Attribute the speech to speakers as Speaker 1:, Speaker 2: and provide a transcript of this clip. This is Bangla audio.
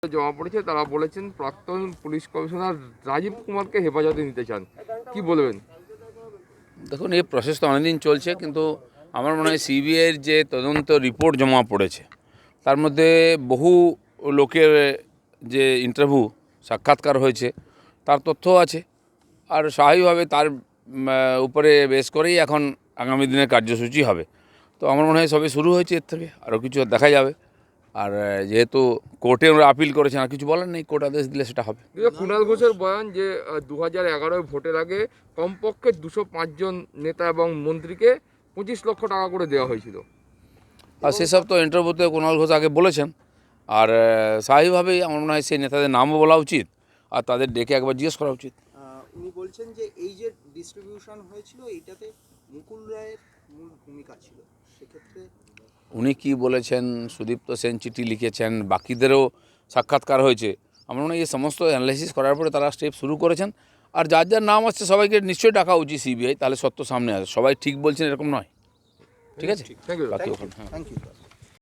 Speaker 1: জমা পড়েছে, তারা বলেছেন প্রাক্তন পুলিশ কমিশনার রাজীব কুমারকে হেফাজতে নিতে চান, কি বলবেন?
Speaker 2: দেখুন, এই প্রসেস তো অনেকদিন চলছে, কিন্তু আমার মনে হয় সিবিআইয়ের যে তদন্ত রিপোর্ট জমা পড়েছে তার মধ্যে বহু লোকের যে ইন্টারভিউ সাক্ষাৎকার হয়েছে তার তথ্য আছে। আর স্বাভাবিকভাবে তার উপরে বেস করেই এখন আগামী দিনের কার্যসূচি হবে। তো আমার মনে হয় সবে শুরু হয়েছে, এর থেকে আরও কিছু দেখা যাবে। আর যেহেতু কোর্টে ওরা আপিল করেছেন, আর কিছু বলার নেই, কোর্ট আদেশ দিলে সেটা হবে।
Speaker 1: কুণাল ঘোষের বয়ান যে 2011 ভোটের আগে কমপক্ষে 205 জন নেতা এবং মন্ত্রীকে 25 লক্ষ টাকা করে দেওয়া হয়েছিল।
Speaker 2: আর সেসব তো ইন্টারভিউতে কুণাল ঘোষ আগে বলেছেন। আর স্বাভাবিকভাবেই আমার মনে হয় সেই নেতাদের নামও বলা উচিত, আর তাদের ডেকে একবার জিজ্ঞেস করা উচিত।
Speaker 3: উনি বলছেন যে এই যে ডিস্ট্রিবিউশন হয়েছিল এইটাতে মুকুল রায়ের মূল ভূমিকা ছিল। সেক্ষেত্রে
Speaker 2: উনি কি বলেছেন, সুদীপ্ত সেন চিঠি লিখেছেন, বাকিদেরও সাক্ষাৎকার হয়েছে। আমার মনে হয় এই সমস্ত অ্যানালাইসিস করার পরে তারা স্টেপ শুরু করেছেন। আর যার যার নাম আসছে সবাইকে নিশ্চয়ই ডাকা উচিত সিবিআই, তাহলে সত্য সামনে আসে। সবাই ঠিক বলছেন এরকম নয়। ঠিক আছে,
Speaker 1: থ্যাংক ইউ।
Speaker 2: বাকি ওখানে।
Speaker 3: Thank you.